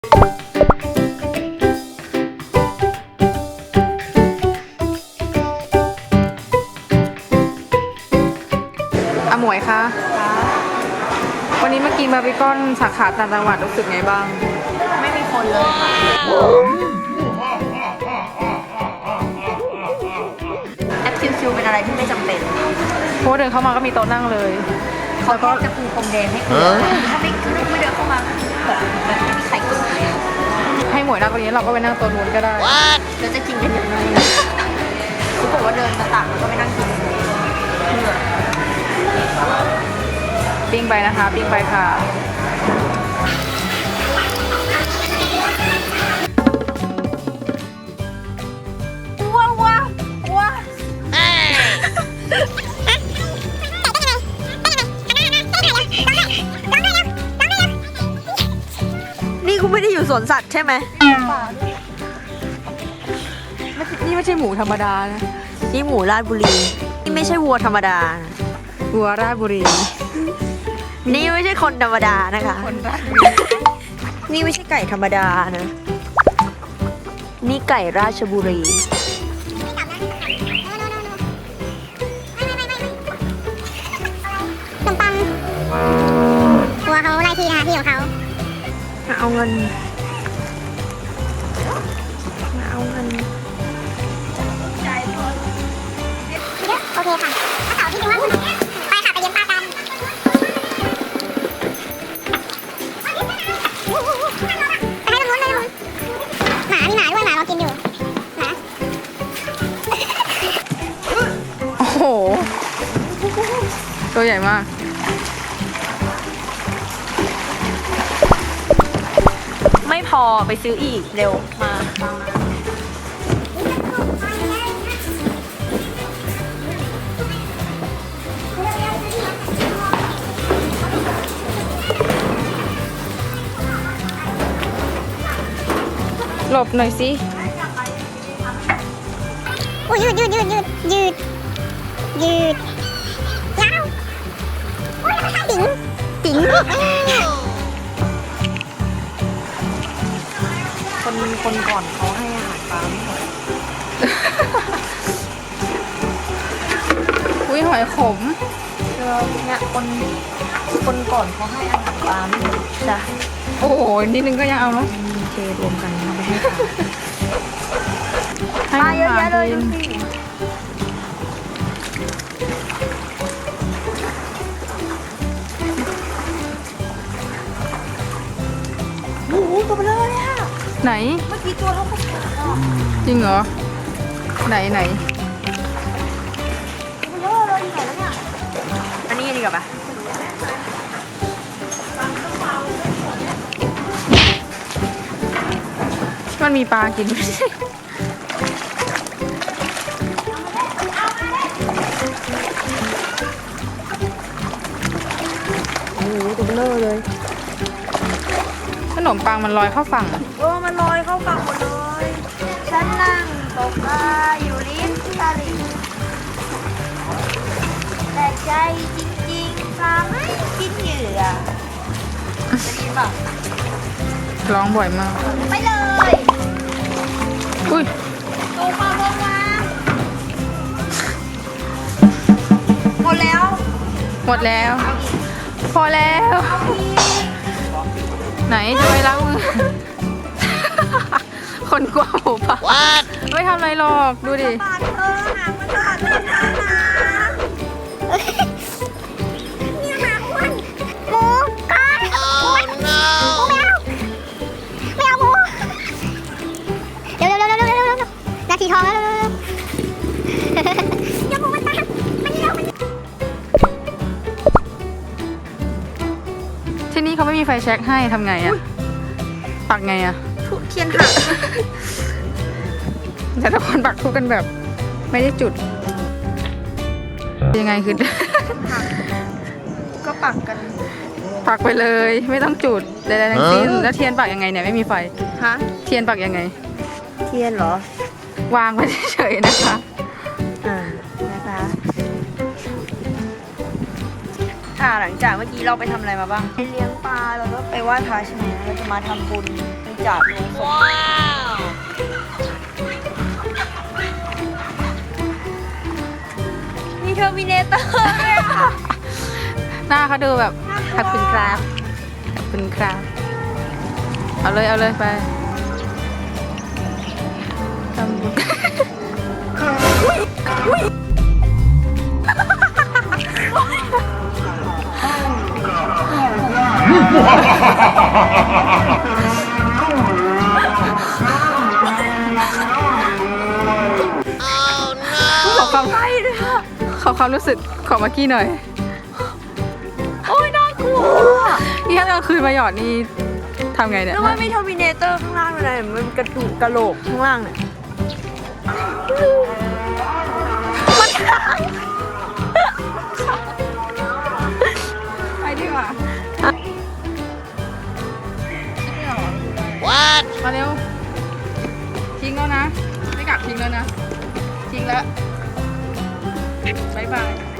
อาหมวยคะวันนี้มากินบาร์บีคอนสาขาต่างจังหวัดรู้สึกไงบ้างไม่มีคนเลยค่ะแอปชิวๆเป็นอะไรที่ไม่จำเป็นเพราะเดินเข้ามาก็มีโต๊ะนั่งเลยเขาก็จะปูพรมแดงให้คุณถ้าไม่เดินเข้ามาแบบไม่มีใครกดเลยให้หมวยนั่งตรงนี้เราก็ไปนั่งโต๊ะนู้นก็ได้แล้วจะกินกันยังไงคุณบอกว่าเดินมาตักแล้วก็ไปนั่งกินปิ้งไปนะคะปิ้งไปค่ะว้านี่คุณไม่ได้อยู่สวนสัตว์ใช่ไหมนี่ไม่ใช่หมูธรรมดานะนี่หมูราชบุรีนี่ไม่ใช่วัวธรรมดาวัวราชบุรีนี่ไม่ใช่คนธรรมดานะคะคนราชบุรีนี่ไม่ใช่ไก่ธรรมดานะนี่ไก่ราชบุรีขนมปังตัวเขาไล่ที่นะคะที่ของเขามาเอาเงินมาเอาเงินเยอะโอเคค่ะถ้าเสาร์ที่นึงว่าคุณไปค่ะไปเยี่ยมป้ากันไปให้ตรงนู้นหมามีหมาด้วยหมาเรากินอยู่หมาโอ้โหตัวใหญ่มากไม่พอไปซื้ออีกเร็วมาหลบหน่อยสิโอ้ยยืดยาวโอ้ยติ๋งคนก่อนเขาให้อาหารปลาไม่หมดอุ้ยหอยขมเนี่ยคนก่อนเขาให้อาหารปลาไม่หมดจ้ะโอ้โหนิดนึงก็ยังเอาแล้วเทรวมกันเอาไปให้ปลาเยอะแยะเลยดูสิโอ้โหตัวเบลอเลยอะไหนเมื่อกี้ตัวเท่ากับจริงเหรอไหนตัวเบลอเลยอยู่ไหนแล้วเนี่ยอันนี้ดีกว่าปะมันมีปลากินไม่ใช่โอ้โหตัวเบลอเลยขนมปังมันลอยเข้าฝั่งมันลอยเข้าฝั่งหมดเลย ฉันนั่งตกปลาอยู่ริมตลิ่งแต่ใจจริงๆปลาไม่กินเหยื่อจะดีป่ะร้องบ่อยมากไปเลยอุ้ยลงมาหมดแล้วพอแล้ว ไหนจะไปล้างมือ คนกลัวหมูป่าไม่ทำอะไรหรอกดูดิหางมันบาดเนี่ยหมาอ้วนหมูก้อนหมูไม่เอาหมูเร็วนาทีทองแล้วเดี๋ยวหมูมันตามมันเร็วที่นี่เขาไม่มีไฟแช็กให้ทำไงอะปักไงอะทุเทียนหักแต่ทุกคนปักทุกกันแบบไม่ได้จุดยังไงคือก็ปักกันปักไปเลยไม่ต้องจุดใดๆทั้งสิ้นแล้วเทียนปักยังไงเนี่ยไม่มีไฟฮะเทียนปักยังไงเทียนเหรอวางไว้เฉยๆนะคะนะคะหลังจากเมื่อกี้เราไปทำอะไรมาบ้างไปเลี้ยงปลาแล้วก็ไปไหว้พระใช่ไหมเราจะมาทำบุญจับว้าวมีเทอร์มินเตอร์เลยอ่ะหน้าเขาดูแบบขอบคุณครับขอบคุณครับเอาเลยไปทำบุญขอความขอความรู้สึกของมากกี้หน่อยโอ้ยน่ากลัวนี่ถ้ากลางคืนมาหยอดนี่ทำไงเนี่ยแล้วมันมีเทอร์มินเตอร์ข้างล่างอะไรมันกระดูกกระโหลกข้างล่างเนี่ยไปดีกว่า What มาเร็ว ทิ้งแล้วนะ ไม่กลับทิ้งแล้วนะ ทิ้งแล้ว บ๊ายบาย